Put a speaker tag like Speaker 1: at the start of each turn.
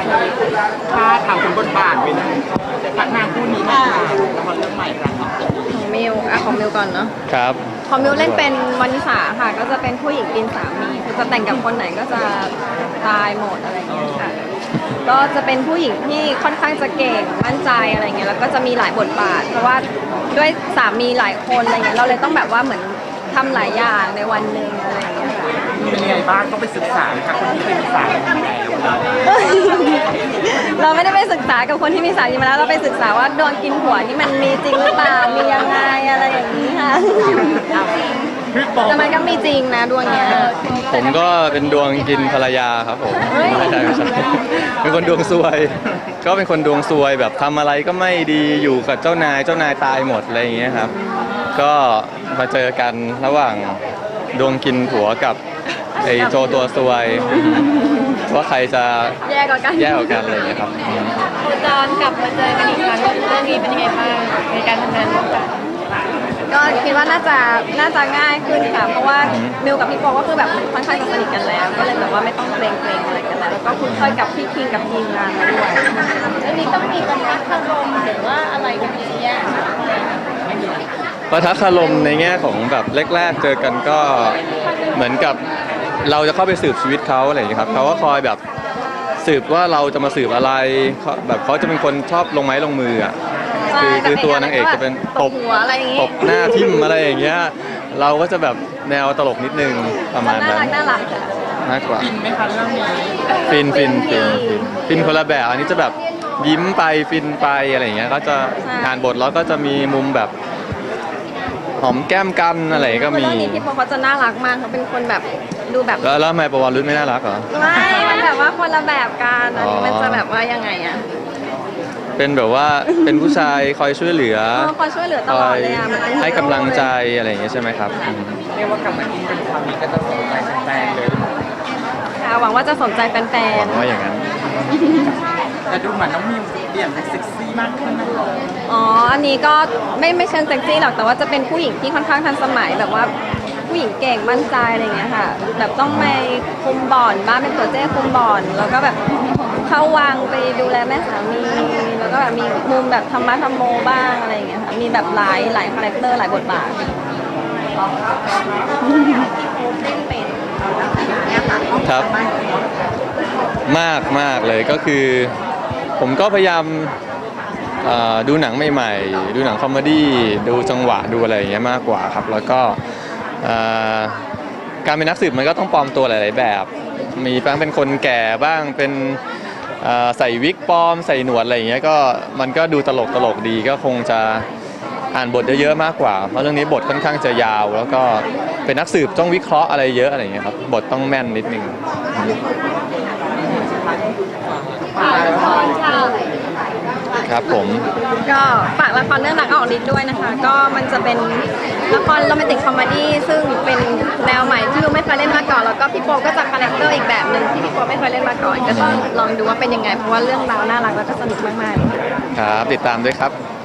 Speaker 1: ถ้าถามถึงบทบาทเป็นพักนางคู่นี้มาละครเรื่องใหม่ครับ
Speaker 2: ของมิวของมิวก่อนเนาะ
Speaker 3: ครับ
Speaker 2: ของมิวเล่นเป็นวานิสาค่ะก็จะเป็นผู้หญิงกินสามีคือจะแต่งกับคนไหนก็จะตายหมดอะไรอย่างเงี้ยค่ะก็จะเป็นผู้หญิงที่ค่อนข้างจะเก่งมั่นใจอะไรเงี้ยแล้วก็จะมีหลายบทบาทเพราะว่าด้วยสามีหลายคนอะไรเงี้ยเราเลยต้องแบบว่าเหมือนทำหลายอย่างในวันหนึ่งอะไรอย่างเงี้ยค่ะ
Speaker 1: เป็นยังไงบ้างต้องไปศึกษาไหมครับคนที่เคยมีสามีมาแล้ว
Speaker 2: เราไม่ได้ไปศึกษากับคนที่มีสามีมาแล้วเราไปศึกษาว่าโดนกินหัวนี่มันมีจริงหรือเปล่ามียังไงอะไรอย่างนี้ค่ะแต่มันก็มีจริงนะดวงเนี้ย
Speaker 3: ผมก็เป็นดวงกินภรรยาครับผมไม่ใช่เป็นคนดวงซวยก็เป็นคนดวงซวยแบบทำอะไรก็ไม่ดีอยู่กับเจ้านายตายหมดอะไรอย่างเงี้ยครับก็มาเจอกันระหว่างดวงกินผัวกับไอ้โจตัวซวยว่าใครจะ
Speaker 2: แย่กว่า
Speaker 3: กันอะไรอย่างเงี้ยครับ
Speaker 2: โคจรกลับมาเจอกันอีกครั้งเรื่องนี้เป็นยังไงบ้างในการทำงานร่วมกันก็คิดว่าน่าจะง่ายขึ้นค่ะเพราะว่ามิวกับพี่โปก็คือแบบค่อนข้างจะสนิทกันแล้วก็เลยแบบว่าไม่ต้องเกรงอะไรกันแล้วก็คุ้นเคยกับพี่คิงกับทีมงานมาด้วยอันนี้ต้องมีปะทะคารมหรือว่าอะไรกันเนี้ย
Speaker 3: ปะทะคารมในแง่ของแบบแรกๆเจอกันก็เหมือนกับเราจะเข้าไปสืบชีวิตเขาอะไรอย่างเงี้ยครับเขาก็คอยแบบสืบว่าเราจะมาสืบอะไรแบบเขาจะเป็นคนชอบลงไม้ลงมืออ่ะคือตัวนางเอกจะเป็นตบหน้าทิ่มอะไรอย่างเงี้ยเราก็จะแบบแนวตลกนิดนึงประมาณนั้น
Speaker 2: น่ารัก
Speaker 3: มากกว่า
Speaker 1: ฟินไหมคะเรื่องนี้
Speaker 3: ฟินคนละแบบอันนี้จะแบบยิ้มไปฟินไปอะไรอย่างเงี้ยก็จะอ่านบทแล้วก็จะมีมุมแบบหอมแก้มกันอะไรก็มี
Speaker 2: เรื่องนี้พี่โปเขาจะน่ารักมากเขาเป็นคนแบบดูแบบ
Speaker 3: แล้วทำไมประวัติรุ่นไม่น่ารักเหรอ
Speaker 2: ไม่มันแบบว่าคนละแบบกันอันนี้มันจะแบบว่ายังไงอะ
Speaker 3: เป็นแบบว่าเป็นผู้ชายคอยช่วยเหลือ
Speaker 2: ตลอดเลยอะ
Speaker 3: ให้กำลังใจอะไรอย่างเงี้ยใช่ไหมครับ
Speaker 1: เรียกว่ากลับมากินเป็นความนี้ก็จะสนใจแฟนเลย
Speaker 2: ค่ะหวังว่าจะสนใจแฟนๆ
Speaker 3: หวังว่าอย่างนั้น
Speaker 1: แต่ดูเหมือนน้องมิวเปลี่ยนเป็นเซ็กซี่มากขึ้นนะ
Speaker 2: อันนี้ก็ไม่เชิงเซ็กซี่หรอกแต่ว่าจะเป็นผู้หญิงที่ค่อนข้างทันสมัยแบบว่าผู้หญิงเก่งมั่นใจอะไรอย่างเงี้ยค่ะแบบต้องไปคุมบ่อนบ้านเป็นตัวเจ้คุมบ่อนแล้วก็แบบเข้าวังไปดูแลแม่สามีแล้วก็แบบมีมุมแบบธรรมะธรรมโมบ้างอะไรอย่างเงี้ยค่ะมีแบบหลายคาแรคเตอร์หลายบทบาท
Speaker 3: ครับมากเลยก็คือผมก็พยายามดูหนังใหม่ๆดูหนังคอมเมดี้ดูจังหวะดูอะไรอย่างเงี้ยมากกว่าครับแล้วก็การเป็นนักสืบมันก็ต้องปลอมตัวหลายๆแบบมีบ้างเป็นคนแก่บ้างเป็นใส่วิกปลอมใส่หนวดอะไรอย่างเงี้ยก็มันก็ดูตลกดีก็คงจะอ่านบทเยอะๆมากกว่าเพราะเรื่องนี้บทค่อนข้างจะยาวแล้วก็เป็นนักสืบต้องวิเคราะห์อะไรเยอะอะไรอย่างเงี้ยครับบทต้องแม่นนิดนึงครับผม
Speaker 2: ก็ฝากละครเรื่องรักออกฤทธิ์ด้วยนะคะก็มันจะเป็นละครโรแมนติกคอมเมดี้ซึ่งเป็นแนวใหม่ที่เราไม่เคยเล่นมาก่อนแล้วก็พี่โปก็จะคาแรคเตอร์อีกแบบหนึ่งที่พี่โปไม่เคยเล่นมาก่อนก็ต้องลองดูว่าเป็นยังไงเพราะว่าเรื่องราวน่ารักแล้วก็สนุกมากๆ
Speaker 3: ครับติดตามด้วยครับ